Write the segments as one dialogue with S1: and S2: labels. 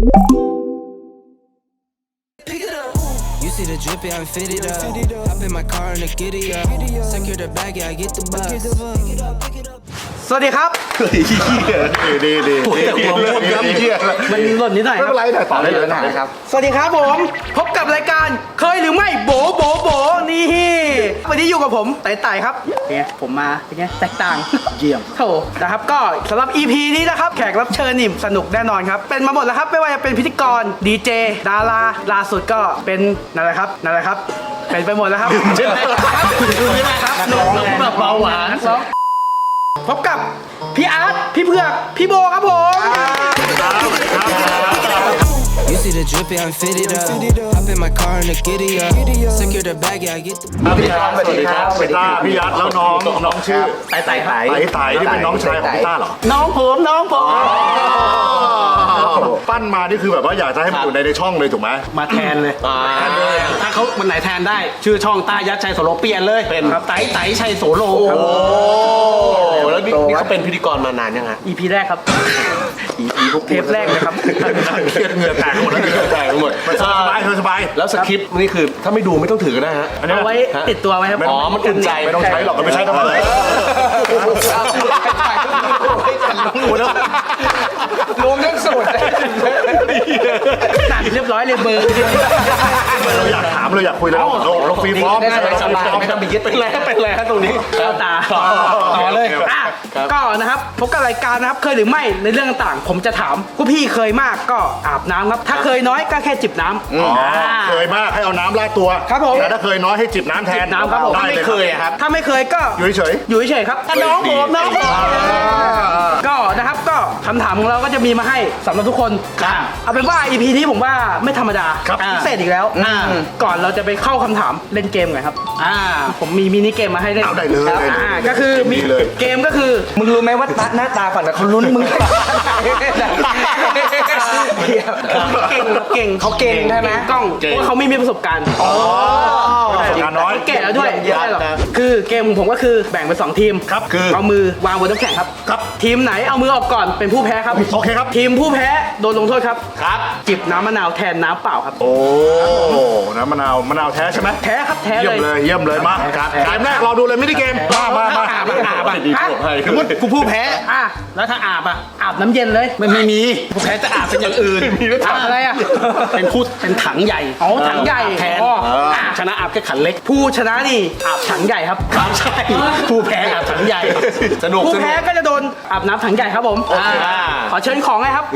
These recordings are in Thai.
S1: You see the drippy, I'm fitted up. Hop in my car and I get it up. Secure the bag, yeah, I get the bus.
S2: สวัสดีครับ
S3: ดี
S2: มันหล่นนิดหน่อย
S3: ไม่เป็นไรแต่ต่อได้เลยนะครับ
S2: สวัสดีครับผมพบกับรายการเคยหรือไม่โบนี่วันนี้อยู่กับผมไต่ครับเนี่ยผมมาเป็นไงแตกต่างเยี่ยมโถนะครับก็สำหรับ EP นี้นะครับแขกรับเชิญนี่สนุกแน่นอนครับเป็นมาหมดแล้วครับไม่ว่าจะเป็นพิธีกรดีเจดาราล่าสุดก็เป็นนั่นแหละครับเป็นไปหมดแล้วครับใช่ไหมครับน้องแบบเบาหวานพบกับพี่อาร์ตพี่เผือกพี่โบครับผม
S1: You see the drippy, I'm fitted up. Hop in my car and I get it up. Secure the bag, yeah, I get the bus.
S3: สวัสดีครับพี่ต้าพี่ยัดแล้วน้องชื่อไต่ที่เป็นน้องชายของพี่ต้าเหรอ
S2: น้องผม
S3: ปั้นมานี่คือแบบว่าอยากจะให้มันอยู่ในช่องเลยถูกไหม
S2: มาแทนเลยถ้าเขาวันไหนแทนได้ชื่อช่องต้ายัดชัยโสโลเปลี่ยนเลยเป็นครับไต่ชัยโสโลครับ
S4: แล้วนี่เขาเป็นพิธีกรมานานยังไง
S2: EP แรกครับ เทปแรกเลยครับ
S3: เครียดเหงื่อแตกหมดแล้วเหงื่อแตกหมดสบาย
S4: แล้วสคริปต์นี่คือถ้าไม่ดูไม่ต้องถือก็ได้ฮะ
S2: เอาไว้ติดตัวไว้ครับ
S4: อ๋อมันอุ่นใจ
S3: ไม่ต้องใช้หรอกไม่ใช้ทำไมรวมทั้งสูตร
S2: ตัดเรียบร้อยเลยเบอร์
S3: เราอยากถามเราอยากคุยเราฟรีฟอร์ม
S4: ไม่ต้องไปยึดเป็นไรฮะตรงนี้
S2: เข้าตาต่อเลยก็นะครับพบกับรายการนะครับเคยหรือไม่ในเรื่องต่างๆผมจะถามผู้พี่เคยมากก็อาบน้ำครับถ้าเคยน้อยก็แค่จิบน้ำ
S3: เคยมากให้เอาน้ำราดตัว
S2: ครับผม
S3: แต่ถ้าเคยน้อยให้จิบน้ำแทน
S2: น้ำครับผม
S3: ได้
S4: ไม่เคยอะครับ
S2: ถ้าไม่เคยก็
S3: อยู่เฉย
S2: อยู่เฉยๆครับน้องผมก็นะครับก็คำถามของเราก็จะมีมาให้สำหรับทุกคนเอาเป็นว่า EP นี้ผมว่าไม่ธรรมดาพิเศษอีกแล้วก่อนเราจะไปเข้าคำถามเล่นเกมกันครับผมมีมินิเกมมาให้เล่น
S3: เอาได้เลย
S2: ก็คือมีเกมก็คือมึงรู้ไหมว่าหน้าตาฝั่งนั้นเขาลุ้นมึงเก่งเขาเก่งใช่ไหมกล้องเพราะเขาไม่มีประสบการณ์
S3: งานน้อย
S2: แก่แล้วด้วยคือเกมของผมก็คือแบ่งเป็น2ทีม
S3: ครับคือ
S2: เอามือวางบนน้ำแข็งครับ
S3: ครับ
S2: ทีมไหนเอามือออกก่อนเป็นผู้แพ้ครับ
S3: โอเคครับ
S2: ทีมผู้แพ้โดนลงโทษครับ
S4: ครับ
S2: จิบน้ำมะนาวแทนน้ำเปล่าครับ
S3: โอ้น้ำมะนาวแท้ใช่ไหม
S2: แท้ครับแท้
S3: เยี่ยมเลยเยี่ยมเลยมาเกมแรกเราดูเลยมินิเกมมา
S2: กูผู้แพ้แล้วถ้าอาบน้ำเย็นเลยไม่มีผู้แพ้จะอาบเป็นอย่างอื่นอะไรเป็นถังใหญ่ถังใหญ่แทนชนะอาบแค่ขันเล็กผู้ชนะนี่อาบถังใหญ่ครับใช่ผู้แพ้อาบถังใหญ่ผู้แพ้ก็จะโดนอาบน้ำถังใหญ่ครับผมขอเชิญของเลยครับ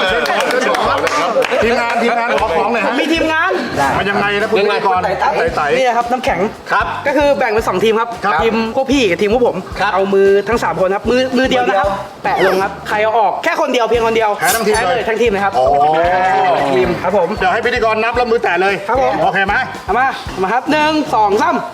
S3: ทีมงานขอของเลยฮะ
S2: มีทีมงาน
S3: มันยังไงนะคุณก่อนไต่
S2: นี่ครับน้ำแข็งครับก็คือแบ่งเป็น2ทีมครับทีมพวกพี่กับทีมพวกผมเอามือทั้ง3คนครับมือเดียวนะครับแปะลงครับใครเอาออกแค่คนเดียวเพียงคนเดียวแพ้เลยทั้งทีมเลยครับทีมครับผม
S3: เดี๋ยวให้พิธีกรนับแล้วมือแตะเลย
S2: ครับผม
S3: โอเคไหม
S2: มาครับ1 2 3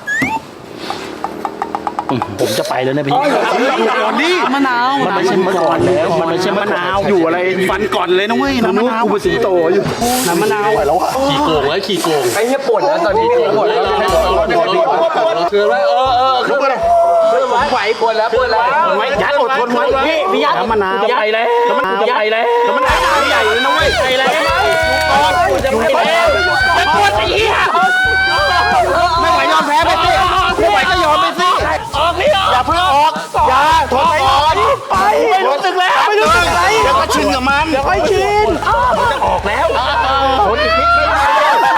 S2: ผมจะไปแล้วนะพี่มะนาวมันไม่ใช่มะก่อนแล้วมันไม่ใช่มะนาวอยู่อะไรฟันก่อนเลยนะเว้ยน้ำมะนาวเป็นสีโตอยู่น้ำมะนาวไหวแล้วอะขี่โกงไอ้เหี้ยปวดแล้วตอนนี้ปวดแล้วเกิดไว้ขึ้นมาเลยไหวปวดแล้วไว้ยัดอดทนไว้พี่ยัดน้ำมะนาวจะไปแล้วจะไปแล้วน้ำมะนาวใหญ่เลยนะเว้ยไปแล้วจะไปแล้วจะปวดไอ้เหี้ยไม่ไหวยอมแพ้ไปสิไม่ไหวก็ยอมไปสิออกนี่อย่าเพิ่งออกอย่าทนไปก่อนไปไม่รู้สึกแล้วไม่รู้สึกอะไรเดี๋ยวก็ชินกับมันเดี๋ยวค่อยชินมันจะออกแล้วทนอีกนิดไม่ได้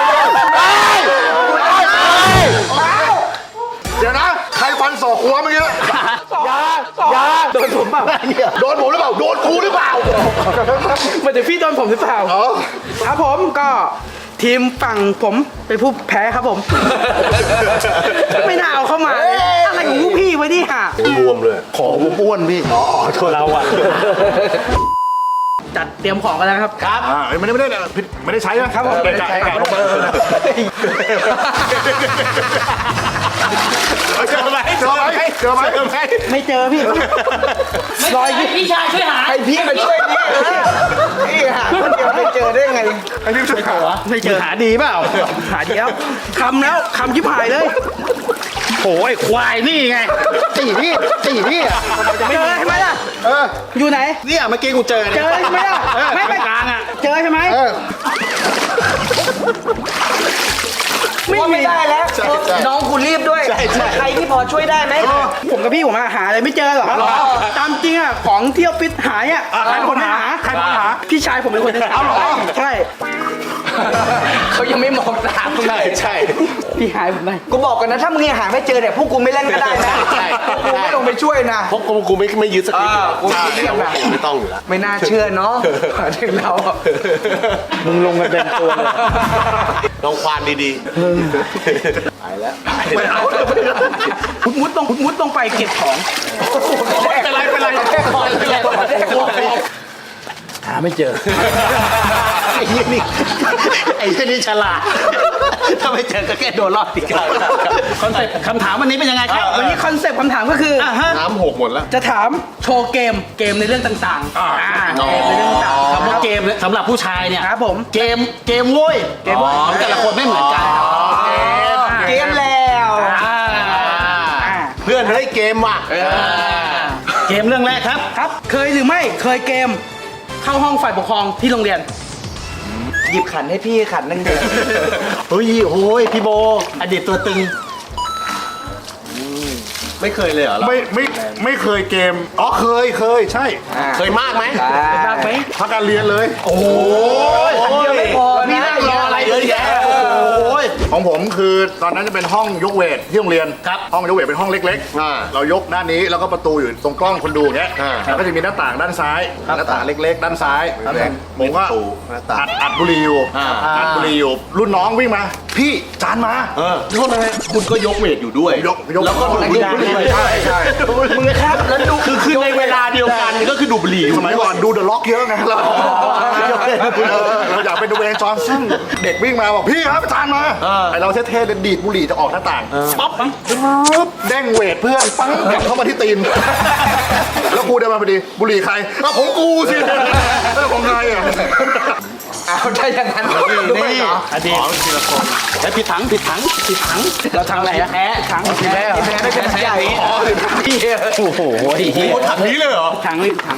S3: เดี๋ยวนะใครฟันศอกหัวเมื่อกี้
S2: อย่าโดนผมเปล่า
S3: โดนผมหรือเปล่าโดนกูหรือเปล่า
S2: มันจะพี่โดนผมหรือเปล่าครับผมก็ทีมฝั่งผมเป็นผู้แพ้ครับผมไม่น่าเอาเข้ามาอะไรของผู้พี่ไว้ดิฮะ
S3: รวมเลยของอ้วนพี่
S2: โทษเราอะจัดเตรียมของกันแล้วครับ
S3: ไม่ได้ใช้นะครับผมไม่ได้ใช้ลงมาเจอไหม
S2: ไม่เจอพี่รอยพี่ชายช่วยหาให้พี่มาช่วยนี่หาคนเดียวไม่เจอได้ไง
S3: ไอ้นี่ช่วยหา
S2: ไม่เจอหาดีเปล่าหาดีแล้วคำยิบหายเลยโอ้ยควายนี่ไงตีนี่เจอใช่ไหมล่ะอยู่ไหน
S4: เนี่ยเมื่อกี้กูเจอ
S2: ใช่ไหมล่ะไม่ไปกลางอ่ะเจอใช่ไหม
S5: ใครที่พอช่วยได้ไหม
S2: ผมกับพี่ผมหาอะไรไม่เจอหรอตามจริงอ่ะของเที่ยวฟิตหายอ่ะใครเป็นคนหาพี่ชายผมเป็นคนหาเอาหรอใช่
S5: เขายังไม่มองตาม
S4: ใช่
S2: พี่หายผมได้
S5: กูบอกกันนะถ้ามึงยังหาไม่เจอเนี่ยพวกกูไม่เล่นก็ได้นะกูไม่ลงไปช่วยนะ
S4: เพราะกูไม่ยึดสคริปต์
S5: กูไม่ต้อง
S4: ไม่ต้องอยู่แล้ว
S5: ไม่น่าเชื่อเนาะถึงเรา
S2: มึงลงกันเต็มตัวเลย
S4: ลองควานดีๆไปแล้ว
S2: มุดต้องไปเก็บของ
S5: เป็นไรแค่คอย
S2: หาไม่เจอ
S4: ไอ้ยี่นี่ฉลาดถ้าไม่เจอก็แค่โดนรอบติดกัน
S2: คอนเซ็ปต์คำถามวันนี้เป็นยังไงครับวันนี้คอนเซ็ปต์คำถามก็คือ
S4: น้ำหกหมดแล้ว
S2: จะถามโชว์เกมในเรื่องต่างๆเกมในเรื่องต่างๆ
S6: คำว่าเกมสำหรับผู้ชายเนี่ย
S2: ครับผม
S6: เกมโว้ยของแต่ละคนไม่เหมือนกัน
S5: เกมแล้ว
S4: เพื่อนเฮ้ยเกมว่ะ
S6: เกมเรื่องแรกครับ
S2: ครับเคยหรือไม่เคยเกมเข้าห้องฝ่ายปกครองที่โรงเรียน
S5: หยิบขันให้พี่ขันนึงเดียว
S6: เฮ้ยโอ้ยพี่โบอดีตตัวตึง
S4: ไม่เคยเลยเหรอ
S3: ไม่เคยเกมอ๋อเคยใช่
S4: เคยมากไหม
S2: มากไหม
S3: พักการเรียนเลย
S4: โอ้ย
S5: ขันเดียวไม่พอ
S4: นี่
S5: นะ
S4: นั่งรออะไรเยอะแยะโอ้ย
S3: ของผมคือตอนนั้นจะเป็นห้องยกเวทที่โรงเรียน
S6: ครับ
S3: ห้องยกเวทเป็นห้องเล็ก
S4: อ่า
S3: เรายกด้านนี้แล้วก็ประตูอยู่ตรงกล้องคนดูอย่างเงี้ย
S4: อ่า
S3: แล้วก็จะมีหน้าต่างด้านซ้ายหน้าต่างเล็ก ๆ ด้านซ้ายผมก็
S4: หน้าต่าง
S3: อัดบุหรี่อยู่
S4: อ่า
S3: อัดบุหรี่อยู่รุ่นน้องวิ่งมา พี่จานมา
S4: โทษนะฮะคุณก็ยกเวทอยู่ด้วย
S3: ยก
S4: แล้วก็ดูดบุหรี่
S3: ใช่
S5: มึงครับแล้วดู
S4: คือในเวลาเดียวกันก็คือดูดบุหรี่
S3: สมัยก่อนดูเดอะล็อกเยอะไงเราอยากเป็นดูเวนจอห์นสันเด็กวิ่งมาบอกพี่ครับจานมาไอเราเท่ๆเลยดีดบุหรี่จะออกหน้าต่างปั๊บเด้งเวทเพื่อนปังกลับเข้ามาที่ตีน แล้วกูเดินมาพอดีบุหรี่ใครของกูสิของใครอ่ะ
S5: เอาได้อย่างนั้นด้วยเหรอ
S6: อดีตแล้วผิดถังเราทางไหนอะแพ้ถัง
S5: แพ้ไม่เป็นใหญ่
S6: โอ้โห
S4: ถังนี้เลยเหรอ
S6: ถังนี่ถัง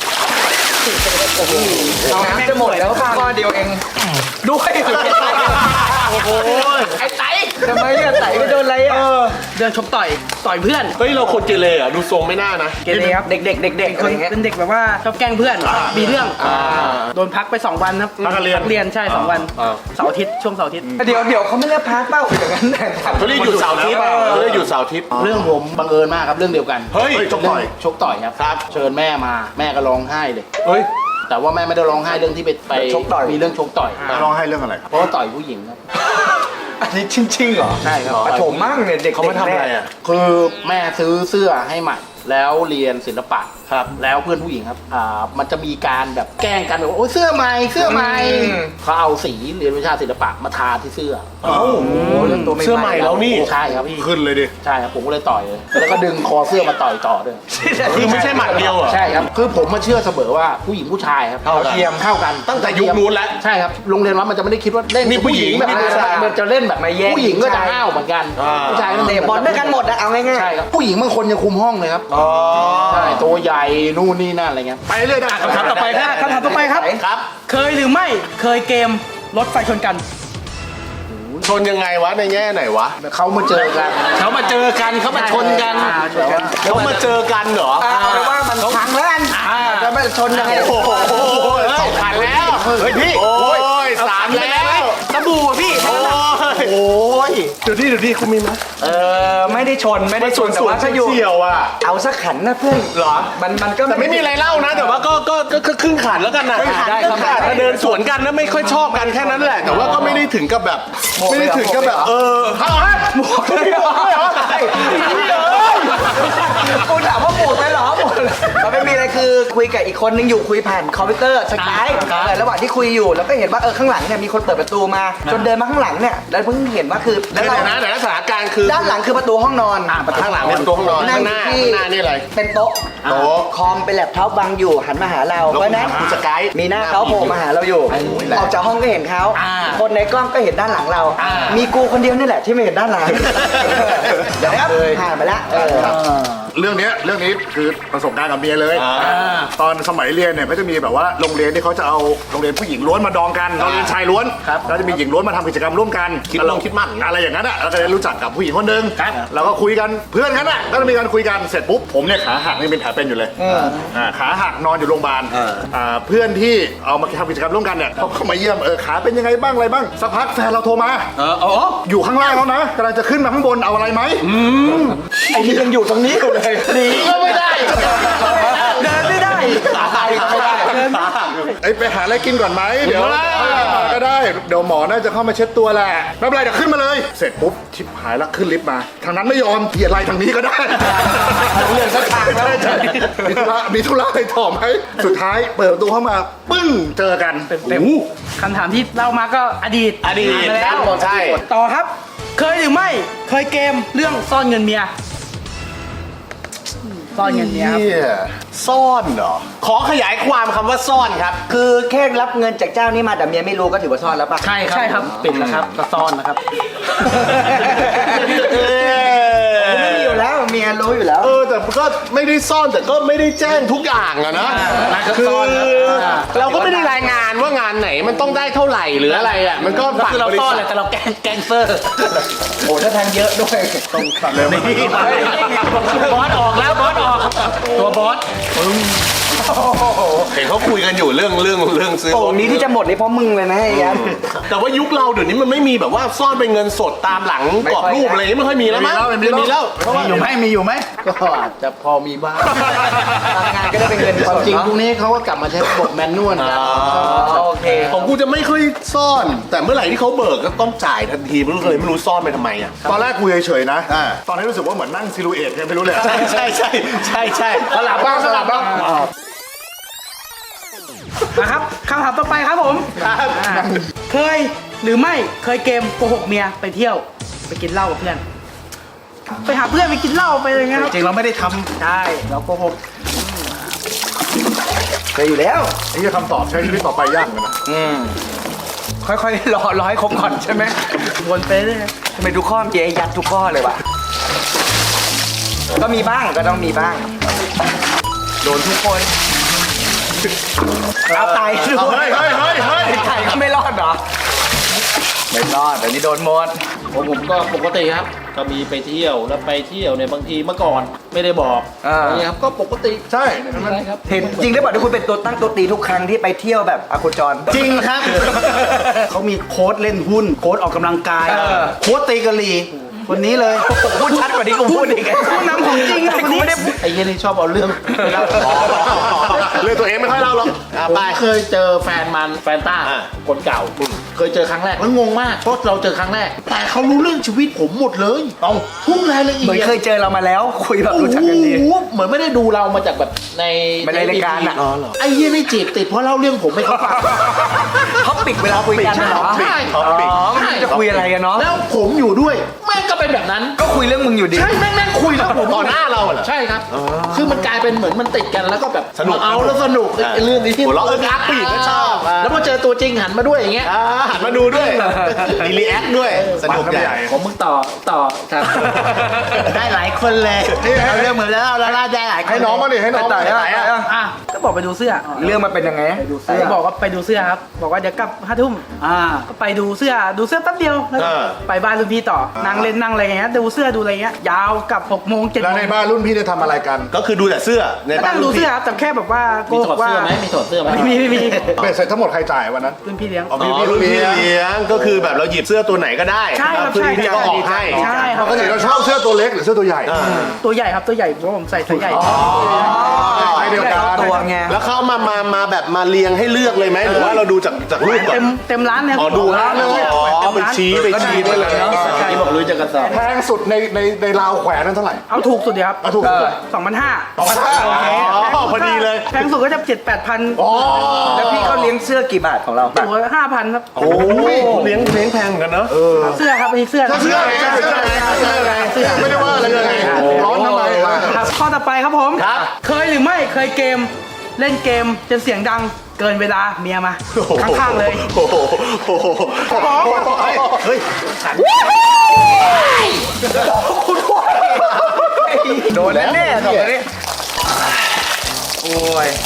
S5: น้ำจะหมดแล้วข้อเดียวเองด้วยโอ้โหไอ้ไตทำไมอะไตไปโดนอะไรอะ
S2: เดินชกต่อยเพื่อน
S4: เฮ้ยเราคนเกเรเหรอดูทรงไม่น่านะ
S5: เกเรครับเด็กๆ
S2: ค
S5: อะไร
S2: น
S5: เงี้ย
S2: เป็นเด็กแบบว่าชอบแกล้งเพื่อนมีเรื่องโดนพักไป2 วันครับ
S3: พักการเรียน
S2: ใช่2 วันเสาร์อาทิตย์ช่วงเสาร์อาทิตย์
S5: เดี๋ยวเขาไม่เรียกพักเป้าอย่างนั้นแต่
S4: เขาเรียกหยุดเสาร์อาทิตย์เขาเรียกหยุดเสาร์อาทิตย์
S6: เรื่องผมบังเอิญมากครับเรื่องเดียวกัน
S4: เฮ้ย
S3: ชกต่อย
S6: ชกต่อยครับเชิญแม่มาแม่ก็ร้องไห้เลย
S4: เฮ้ย
S6: แต่ว่าแม่ไม่ได้ร้องไห้เรื่องที่ไปมีเรื่องชกต่อย
S3: ร้องให้เรื่องอะไรครับ
S6: เพราะว่าต่อยผู้หญิงครับ
S5: อันนี้ชิงๆเหรอ
S6: ใช่ครับ
S5: ปฐมมั่งเนี่ยเด็ก
S4: เขามาทำอะไรอ่ะ
S6: คือแม่ซื้อเสื้อให้ใหม่แล้วเรียนศิลปะครับแล้วเพื่อนผู้หญิงครับมันจะมีการแบบแกล้งกันแบบโอ้ยเสื้อใหม่เขาเอาสีเรียนวิชาศิลปะมาทาที่เสื้อ
S5: โอ้โหเรื่องตัว
S4: เสื้อใหม่แล้วนี่
S6: ใช่ครับพี่
S3: ขึ้นเลยดิ
S6: ใช่ครับผมก็เลยต่อยเลยแล้วก็ดึงคอเสื้อมาต่อยต่อด้วย
S4: คือไม่ใช่หมัดเดียวเหรอ
S6: ใช่ครับคือผมมาเชื่อเสมอว่าผู้หญิงผู้ชายครับ
S4: เท่ากันตั้งแต่ยุคนู้นแล้ว
S6: ใช่ครับโรงเรียนวัดมันจะไม่ได้คิดว่าเล่น
S4: นี่ผู้หญิง
S6: แบบ
S4: นี่ผู้ชาย
S6: มันจะเล่นแบบผู้หญิงก็จะห้าวเหมือนกันผู้ชายก็
S5: เตะบอลด้วยกันหมดอะเอาง่าย
S6: ใช่ครับผู้หญิงบางคนยังคุมห้องเลยครับใช่ตัวใหญ่นู่นนี่นั่นอะไรเงี้ย
S3: ไปเรื่อยได้
S6: คำถามต่อไปครับ
S2: คำถามต่อไปครับ
S6: ครับ
S2: เคยหรือไม่เคยเกมรถไฟชนกัน
S4: ชนยังไงวะในแง่ไหนวะ
S6: เขามาเจอกันเขามาชนกัน
S4: เขามาเจอกันเหรอ
S5: ๆเอาเป็นว่ามันพังแล้วกันจะไม่ชนยังไง
S4: โอ้โหสองพันแล้ว เฮ้ยพี่ โอ้ยสามแล้ว
S5: สบู่พี่
S4: โอ้ยดูดิคุณมีไหม
S5: ไม่ได้ชนแต่ว่าถ้าอยู่
S4: เฉียวอ่ะ
S5: เอาสักขันนะเพื่อน
S4: เหรอ
S5: มันก็
S4: แต่ไม่มีอะไรเล่านะ แต่ว่าก็ครึ่งขันแล้วกันนะ
S5: ได้ครับ
S4: ถ้าเดินสวนกันแล้วไม่ค่อยชอบกันแค่นั้นแหละ แต่ว่าก็ไม่ได้ถึงกับแบบ ไม่ได้ถึงกับแบบหมวกเลยเหรอ
S5: กูถามว่าหมดไหมเหรอหมดมันไม่มีอะไรคือคุยกับอีกคนนึงอยู่คุยผ่านคอมพิวเตอร์สกายระหว่างที่คุยอยู่แล้วก็เห็นว่าข้างหลังเนี่ยมีคนเปิดประตูมาจนเดินมาข้างหลังเนี่ยแล้วเพิ่งเห็นว่าคือ
S4: เดี๋ยวนะสถานการณ์คือ
S5: ด้านหลังคือประตูห้องนอน
S4: ข้างหลังเป็นตัวห้องนอนข้างหน้านี่อะไร
S5: เป็นโต๊ะคอมเป็นแล็ปท็อปวางอยู่หันมาหาเราเพราะนั้น
S4: สกาย
S5: มีหน้าเขาโผล่มาหาเราอยู่ออกจากห้องก็เห็นเขาคนในกล้องก็เห็นด้านหลังเรา มีกูคนเดียวนี่แหละที่ไม่เห็นด้านหลังเดี๋ยวครับผ่านไปแล้ว
S3: เรื่องนี้คือประสบการณ์กับเมียเลยตอนสมัยเรียนเนี่ยก็จะมีแบบว่าโรงเรียนที่เขาจะเอาโรงเรียนผู้หญิงล้วนมาดองกันโรงเรียนชายล้วนแล้วจะมีหญิงล้วนมาทำกิจกรรมร่วมกันคิดมั่นอะไรอย่างนั้นอ่ะเราก็ได้รู้จักกับผู้หญิงคนหนึ่งแล้วก็คุยกันเพื่อนกันอ่ะก็จะมีการคุยกันเสร็จปุ๊บผมเนี่ยขาหักนี่เป็นแผลเป็นอยู่เลยขาหักนอนอยู่โรงพยาบาลเพื่อนที่เอามาทำกิจกรรมร่วมกันเนี่ยเขาเข้ามาเยี่ยมขาเป็นยังไงบ้างอะไรบ้างสักพักแฟนเราโทรมาอยู่ข้างล่างแล้วนะกำลังจะขึ้นมาข้างบนเอาอะไรไหม
S5: ไอ้นี่ยังอยู่ตรงนี้อยู่เลยหนีก็ไม่ได้เดินไม่ได้ขาหักก็ไม่ได้
S3: ไปหาอะไรกินก่อนไหมเดี๋ยวก็ได้เดี๋ยวหมอน่าจะเข้ามาเช็ดตัวแหละไม่เป็นไรเดี๋ยวขึ้นมาเลยเสร็จปุ๊บชิบหายแล้วขึ้นลิฟต์มาทางนั้นไม่ยอมเกียร์อะไรทางนี้ก็ได้
S5: เรื่องสักทางแล้ว
S3: มีธุระอะไรต่อไหมสุดท้ายเปิดประตูเข้ามาปึ้งเจอกัน
S7: คำถามที่เล่ามาก็อดีตแล้ว
S2: ใช่
S7: ต่อครับเคยหรือไม่เคยเกมเรื่องซ่อนเงินเมียซ่อนเงินเมีย
S2: ซ่อนเหรอขอขยายความคำว่าซ่อนครับ
S5: คือแค่รับเงินจากเจ้านี้มาแต่เมียไม่รู้ก็ถือว่าซ่อนแล้วป่ะ
S7: ใช่ครับปิดแล้วครับก็ซ่อนนะครับ
S5: ไม่มีอยู่แล้วเมียรู้อยู่แล้ว
S2: แต่ก็ไม่ได้ซ่อนแต่ก็ไม่ได้แจ้งทุกอย่างอะนะคือเราก็ไม่ได้รายงานว่างานไหนมันต้องได้เท่าไหร่หรืออะไรอะมันก็
S7: ฝั่งเราซ่อนแหละแต่เราแกงเซอร์
S5: โอ้ถ้าทางเยอะด้วย
S3: ตรงสั่นเลย
S7: บอสออกแล้วบอสออกตัวบอส
S2: เห็นเขาคุยกันอยู่เรื่องซื้อ
S5: โอ้นี้ที่จะหมดเลยเพราะมึงเลยนะไอ้ยัน
S2: แต่ว่ายุคเราเดี๋ยวนี้มันไม่มีแบบว่าซ่อนเป็นเงินสดตามหลังกรอบรูปอะไรไม่ค่อยมีแล้วมั้งมีแล้ว
S3: มีอยู่ไหม
S6: ก็อาจจะพอมีบ้าง
S5: ทำงานก็ได้เป็นเงิน
S6: ความจริงพวกนี้เขาก็กลับมาใช้ระบบแมนนวลกัน
S5: โอเค
S2: ของกูจะไม่ค่อยซ่อนแต่เมื่อไหร่ที่เขาเบิกก็ต้องจ่ายทันทีไม่รู้ซ่อนไปทำไมอ่ะ
S3: ตอนแรกกูเฉยๆนะตอนนี้รู้สึกว่าเหมือนนั่งซิลูเอทกันไม่รู้เลย
S2: ใช่สลับบ้าง
S7: นะครับคำถามต่อไปครับผมเคยหรือไม่เคยเกมโกหกเมียไปเที่ยวไปกินเหล้ากับเพื่อนไปหาเพื่อนไปกินเหล้าไปอะไรเงี้ย
S2: จริงเราไม่ได้ทำ
S7: ใช่เราโกหก
S5: เคยอยู่แล้ว
S3: ไอ้คำตอบใช้ชีวิตต่อไปยากเลยนะ
S5: ค่อยๆรอให้ครบก่อนใช่ไหม
S7: วนไปเลย
S5: ทำไมทุกข้อเจ๊ยัดทุกข้อเลยวะก็มีบ้างก็ต้องมีบ้างโดนทุกคนเอาไตด้วยไก่ก็ไม่รอดเหรอไม่รอดแต่นี่โดนหมด
S6: ผมก็ปกติครับก็มีไปเที่ยวแล้วไปเที่ยวเนี่ยบางทีเมื่อก่อนไม่ได้บอกนี่ครับก็ปกติ
S3: ใช่
S5: เห็นจริงได้บอกที่คุณเป็นตัวตั้งตัวตีทุกครั้งที่ไปเที่ยวแบบอาโคจร
S2: จริงครับเขามีโค้ดเล่นหุ้นโค้ดออกกำลังกายโค้ดตีกะลีคนนี้เลย
S5: พูดชัดกว่านี้กูพูดอีก
S7: ผู้นำของจริงคนนี้
S6: ไอ้เหี้ยนี่ชอบเอาเรื่องเล่า
S2: เรื่องตัวเองไม่ค่อยเล่าหรอก
S6: ไปเคยเจอแฟนต้าคนเก่าเคยเจอครั้งแรกแล้วงงมากเพราะเราเจอครั้งแรกแต่เขารู้เรื่องชีวิตผมหมดเลยเอาทุกรายละเอียด
S5: เหมือนเคยเจอเรามาแล้วคุยแบบรู้จักกันดี
S6: เหมือนไม่ได้ดูเรามาจากแบบใน
S5: รายการอ่ะ
S6: ไอ้เหี้ยนี่จีบติดเพราะเล่าเรื่องผมไม่เข้าฟัง
S5: เขาปิดเวลาคุยกันเหรอ
S6: ใช่
S5: จะคุยอะไรกันเนาะ
S6: แล้วผมอยู่ด้วยแม่งก็เป็นแบบนั้น
S5: ก็คุยเรื่องมึงอยู่ดี
S6: ใช่แม่งคุยแล้วผมต่อหน้าเราเหรอใช่ครับคือมันกลายเป็นเหมือนมันติดกันแล้วก็แบบ
S2: สนุก
S6: เอาแล้วสนุกไอ้เรื่องนี้ที่
S2: หัวเราะอักผู้หญิงก็ชอบ
S6: แล้วพอเจอตัวจริงหันมาด้วยอย่างเงี้ย
S2: หันมาดูด้วยรีแอคด้วยสนุกใหญ่
S6: ผมมึงต่อครับ
S5: ได้หลายคนเลยเอาเรื่องเหมือนแล้วเราได้หลาย
S3: ให้น้องมาดิให้น้อง
S5: ต่อได้
S7: ก็บอกไปดูเสื้อ
S5: เรื่องมันเป็นยังไง
S7: บอกว่าไปดูเสื้อครับบอกว่าเดี๋ยวกลับ5 ทุ่มก็ไปดูเสื้อแป๊บเดียวไปบ้านรุ่นพี่ต่อนั่งเล่นนั่งอะไรเงี้ยดูเสื้อดูอะไรเงี้ยยาวกับ6 โมง 7 โมง
S3: แล้วในบ้านรุ่นพี่จะทำอะไรกัน
S2: ก็คือดูแต่เสื้อ
S7: ในบ้านดูเสื้อครับแต่แค่แบบว่า
S6: มีถอดเสื้อไหมมีถอดเสื้อไหม
S7: ไม่มี
S3: เป็นเสร็จทั้งหมดใครจ่ายวันนั้น
S7: รุ่นพี่เลี้ยง
S2: รุ่นพี่เลี้ยงก็คือแบบเราหยิบเสื้อตัวไหนก็ได้
S7: ใช่ครับ
S2: ใช่พี่ก็ออกให้
S7: ใช่ครับ
S3: ปกติเราชอบเสื้อตัวเล็กหรือเสื้อตัวใหญ่
S7: ตัวใหญ่ครับตัวใหญ่เพราะผมใส่ตัวใหญ่
S3: เดียวกัน
S5: ตัวไง
S2: แล้วเขามาแบบมาเรียงให้เลือกเลยไหมหรือว่าเราดูจากรูปก่อน
S7: เต็มร้านเลย
S2: ดูร้านเลยไปชี้ได้เลยเนาะ
S6: ที่บอกรู้จักกระสอบ
S3: แพงสุดในราวแขวนนั้นเท่าไหร่
S7: เอาถูกสุดเดียวครับ
S3: ถูก
S7: 2,500
S2: พอดีเลย
S7: แพงสุดก็จะ 7-8,000
S5: แล้วพี่เขาเลี้ยงเสื้อกี่บาทของเรา
S7: ตัว 5,000 ครับ
S2: โอ้ยเลี้ยงแพงกันเนาะ
S7: เสื้อครับอันนี้เสื้อ
S3: ไม่ได้ว่าอะไรเลยร้อนทำไม
S7: ข้อต่อไปครับผมเคยหรือไม่เคยเล่นเกมจนเสียงดังเกินเวลาเมียมาข้างๆเลย
S2: เฮ้ย
S5: โดนแน่ๆสองคนนี้โอ้ย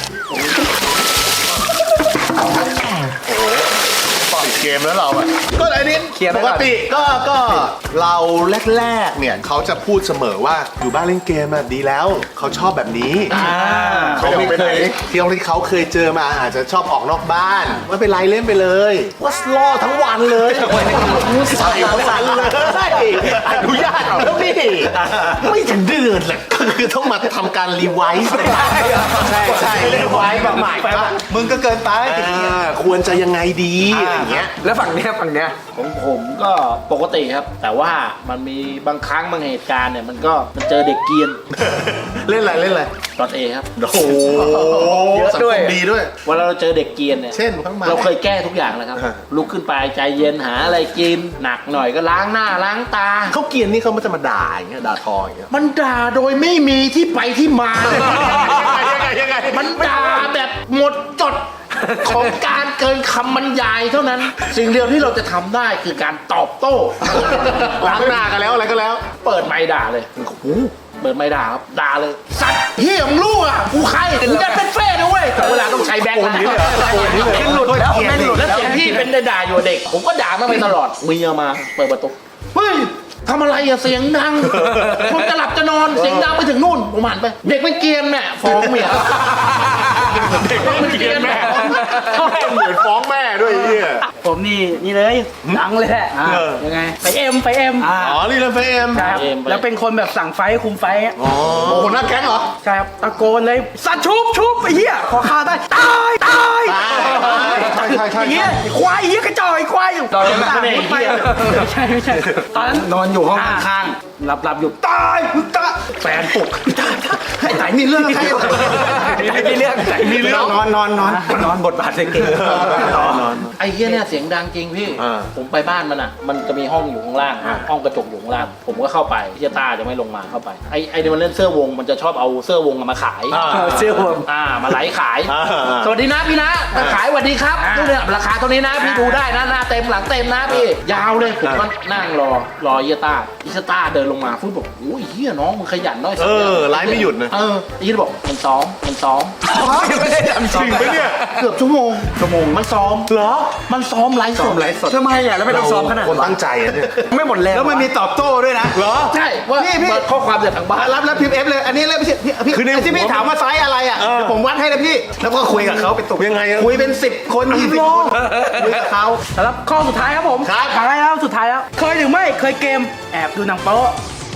S3: ปิดเกมแล้วเราอ่ะก็ไอ้นี่
S5: เคลียร์ไป
S4: ป
S5: ก่
S4: ก
S5: อน
S4: ติก็เราแรกๆเนี่ยเขาจะพูดเสมอว่าอยู่บ้านเล่นเกมอะดีแล้วเขาชอบแบบนี้เขาไม่เคยที่เขาเคยเจอมาอาจจะชอบออกนอกบ้านไม่เป็นไรเล่นไปเลยว่าล่อทั้งวันเลยใส่ทั้งวันเลยอนุญาตแล้วนี่ไม่ถึงเดือนแหละก็คือต้องมาทำการรีไวซ์ใช่รีไวซ์แบบใหม่มึงก็เกินไปควรจะยังไงดีอะไรอย่างเงี้ย
S5: แล้วฝั่งเนี้ย
S6: ของผมก็ปกติครับ แต่ว่ามันมีบางครั้งบางเหตุการณ์เนี่ยมันเจอเด็กเกรียน
S4: เล่นอะไร
S6: ดอทเอครับ
S4: โอ้โหสังคมดีด้วย
S6: เวลาเราเจอเด็กเกรียนเนี่ย
S4: เช่นข้างมา
S6: เราเคยแก้ทุกอย่างแล้วครับ
S4: อ่า
S6: ลุกขึ้นไปใจเย็นหาอะไรกินหนักหน่อยก็ล้างหน้าล้างตา
S4: เขาเกรียนนี่เขาไม่จะมาด่าอย่างเงี้ยด่าทออย่างเงี้ย
S6: มันด่าโดยไม่มีที่ไปที่มาเลย
S4: ยังไง
S6: มันด่าแบบหมดจดของการเกินคำบรรยายเท่านั้น สิ่งเดียวที่เราจะทำได้คือการตอบโต้
S4: ล้างหน้ากันแล้วอะไรก็แล้ว
S6: เปิดไมค์ด่าเลยเปิดไมค์ด่าครับด่าเลยสัตว์เฮียมึงรู้อ่ะกูใครกูจะเป็นเฟ่นะเว้ยแต่เวลาต้องใช้แบงค์นี้เลยแม่งหลุดแล้วแม่งหลุดแล้วเสียงพี่เป็นได้ด่าอยู่เด็ก ผมก็ด่ามาไปตลอดเมียมาเปิดประตูเฮ้ยทำอะไรอะเสียงดังคนจะหลับจะนอนเสียงดังไปถึงนู่นผมหันไปเด็กมันเกรียนแม่ฟ้องเมียเด็กมันเกรียนแม่
S3: เหมือนฟ้องแม่ด้วยไอ้เนี่ย
S7: ผมนี่เลยดังเลยแหละยังไงไปเอ็ม
S4: อ๋อนี่เล่นเฟม
S7: ใช่ครับแล้วเป็นคนแบบสั่งไฟคุมไฟอะ
S3: โอ้โหหน้าแก๊งเหรอ
S7: ใช่ครับตะโกนเลยสัตว์ชุบไอ้เหี้ยขอฆ่าได้ตาย
S3: ใช่
S7: อย่างเงี้ยไอ้ควายไอ้เหี้ยกระจอกไอ้ควายอยู่ตอนนั้นไม่ใช่ตอนนั้นนอนอยู่ห้องข้างๆหลับอยู่ตายแฟนปลุกไอ้ไหนมีเรื่องอะไรมีเรื่องนอนบทบาทเก่ง
S6: ไอ้เหี้ยเนี่ยเสียงดังจริงพี่ ผมไปบ้านมันอ่ะ มันจะมีห้องอยู่ข้างล่าง ห้องกระจกอยู่ข้างล่าง ผมก็เข้าไปพี่ตาจะไม่ลงมาเข้าไป ไอ้เนี่ยมันเล่นเสื้อวง มันจะชอบเอาเสื้อวงมาขาย
S7: เสื้อผม
S6: มาไลฟ์ขาย สวัสดีนะพี่นะมาขายสวัสดีครับนี่เนี่ยราคาเท่านี้นะพี่ดูได้นะหน้าเต็มหลังเต็มนะพี่ ยาวเลย ผมก็นั่งรอเฮียต้าเดินลงมาฟุตบอกโอ้ยเฮียน้องมึงขยันน้อยสัก
S4: ไลฟ์ไม่หยุดนะ
S6: ไอ้เฮียบอกมันซ้อม
S5: ไม่ได้ทำจริงไหมเนี่ย
S6: เกือบชั่วโมงมันซ้อมเหรอ มันซ้อมไลฟ์สด
S5: ทำไมอ่ะแล้วไม่ต้องซ้อมขนาด
S4: คนตั้งใจอะเนี่ย
S5: ไม่หมดแรง
S2: แล้วมันมีตอบโต้ด้วยนะ
S4: เหรอ
S6: ใช่ว่า
S2: พี่
S6: เปิดข้อความจากทางบ้าน
S2: รับพิมพ์เอฟเลย อันนี้เลยพี่
S4: คือใน
S2: ที่พี่ถามว่าไซส์อะไรอ่ะเดี๋ยวผมวัดให้นะพี่ แล้วก็คุยกับเขาเป็นตุก
S4: ยังไงอะ
S2: คุยเป็น10 คน20 คนคุยกับเขา
S7: สำหรับข้อสุดท้ายครับผม
S2: ครับ
S7: สุดท้ายแล้วเคยหรือไม่เคยเกมแอบดูหนังโป๊ะ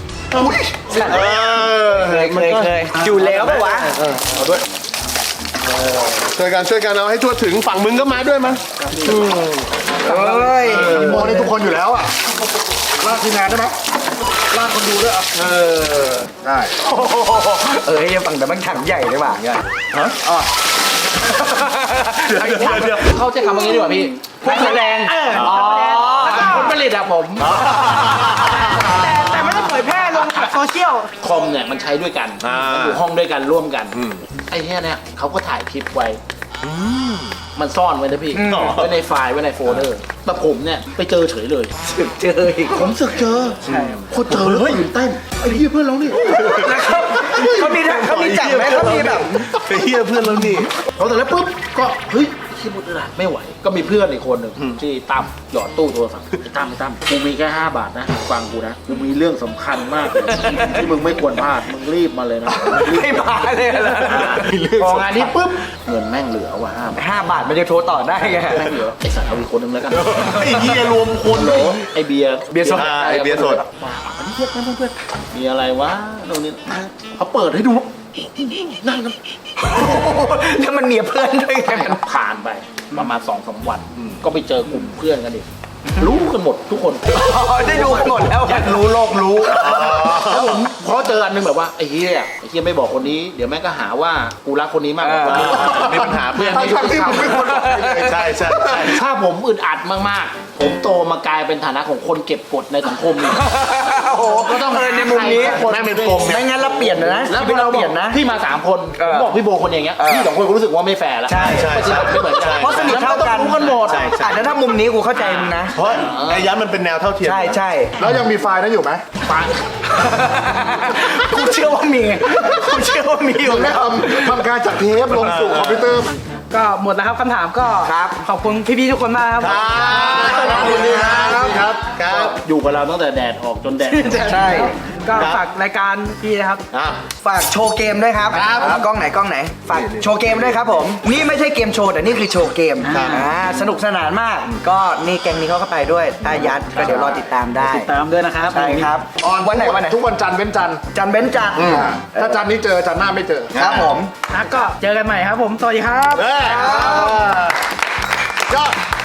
S5: เคยอยู่แล้วปะวะ
S4: ช่วยกันเอาให้ทั่วถึงฝั่งมึงก็มาด้วยมั้ย
S5: เฮ้ย
S3: โมนี่ทุกคนอยู่แล้วอ่ะลากทีมงานได้ไหมลากคนดูด้วยอ่ะได้
S5: ยังฝั่งแต่มันถังใหญ่เลยว่ะเนี่ย
S6: เขาใช้คำว่างี้ดีกว่าพี่
S5: พวกแสดง
S6: ผลผลิตอะผม
S7: แต่ไม่ได้เผยแพร่ลงโซเชียล
S6: คอมเนี่ยมันใช้ด้วยกันมันอยู่ห้องด้วยกันร่วมกัน ไอ้เนี้ยเนี่ยเขาก็ถ่ายคลิปไว้ มันซ่อนไว้นะพี่ไว้ในไฟล์ไว้ในโฟลเดอร์ แต่ผมเนี่ยไปเจอเฉยเลย
S5: เจออีก
S6: ผมสึกเจอพอเจอแล้วตื่นเต้นไอ้เหี้ยเพื่อนเรานี่
S5: เขามีจับไหมเขามีแบบ
S4: ไปเฮียเพื่อนแล้วนี่
S6: พอแต่แล้วปุ๊บก็เฮ้ยคิดมุดอะไรไม่ไหว ก็มีเพื่อนอีกคนหนึ่งที่ตั้มหยอดตู้โทรศัพท์ไอ้ตั้มกูมีแค่5 บาทนะฟังกูนะกูมีเรื่องสำคัญมากเลยที่มึงไม่ควรพลาดมึงรีบมาเลยนะ
S5: ไม่มาเลยเหรอ
S6: พองานนี้ปุ๊บเงินแม่งเหลือว่ะ5 บาท
S5: 5 บาทมันจะโทรต่อได้ไง
S6: แม่งเหลือไอ้สัตว์เอาอีกคนนึงแล้วกัน
S4: ไอ้เฮียรวมคนเหรอ
S6: ไอ้เบียร์
S5: สด
S4: ไอ้เบียร์สด
S6: มาอันนี้เพื่อนมีอะไรวะตรงนี้เขาเปิดให้ดูนั่งกัน
S5: แล้วมันเมียเพื่อนด้วยไง
S6: ผ่านไปประมาณ2-3 วันก็ไปเจอกลุ่มเพื่อนกันอีกรู้กันหมดทุกคน
S5: ได้ดูกันหมดแล้วอยากรู้โลกรู้
S6: แล้วผมพอเจออันนึงแบบว่าไอ้เฮียไม่บอกคนนี้เดี๋ยวแม่งก็หาว่ากูรักคนนี้มากกว่าคนนี้มีปัญหาเพื่อนไม่ยุติธรรม
S4: ใช่ใช่
S6: ถ้าผมอึดอัดมากๆ ผมโตมากลายเป็นฐานะของคนเก็บกดในสังคมนี่
S5: โอ้โห
S6: ก็ต้อง
S5: ในมุมนี้
S6: แม่งเป็นปมเนี่ย
S5: ไม่งั้นเราเปลี่ยนนะ
S6: แล้วพอเรา
S5: เปลี่ยนนะ
S6: พี่มา3 คนผมบอกพี่โบคนอย่างเงี้ยพี่2 คนก็รู้สึกว่าไม่แฟร์แล้ว
S5: ใช่
S6: ไม่เหมือนกัน
S5: เพราะสนิทเท่ากัน
S6: รู้กันหมดด
S4: ใช่ใช่
S5: แล้วถ้ามุมนี้กูเข้าใจมึงนะ
S4: เพราะไอ้ยันมันเป็นแนวเท่าเทียม
S5: ใช่ใช่
S3: แล้วยังมีไฟล์นั้นอยู่ไหม
S5: กูเชื่อว่ามีกูเชื่อว่ามีอยู่
S3: มึงได้ทำการจากเทปลงสู่คอมพิวเตอร์
S7: ก็หมดแล้วครับคำถามก็
S5: ครับ
S7: ขอบคุณพี่ๆทุกคนมากครับ
S4: ขอบคุณครับครับ
S6: อยู่กับเราตั้งแต่แดดออกจนแดด
S5: ใช่
S7: ก็ฝากรายการพี่นะครับ
S5: ฝากโชว์เกมด้วยครับกล้องไหนกล้องไหน ฝากโชว์เกมด้วยครับผม นี่ไม่ใช่เกมโชว์แต่นี่คือโชว์เกมสนุกสนานมาก ก็นี่แกงนี้เขาก็ไปด้วยตายัดก็เดี๋ยวรอติดตามได้
S7: ติดตามด้วยนะครับ
S5: ใช่ครับวันไหนวันไหน
S3: ทุกวันจันทร์เว้นจันทร์
S5: จันทร์เบ้นจันทร์
S3: ถ้าจันทร์นี้เจอจันทร์หน้าไม่เจอ
S5: ครับผม
S7: ก็เจอกันใหม่ครับผม สวัสดีครับ
S3: ยอด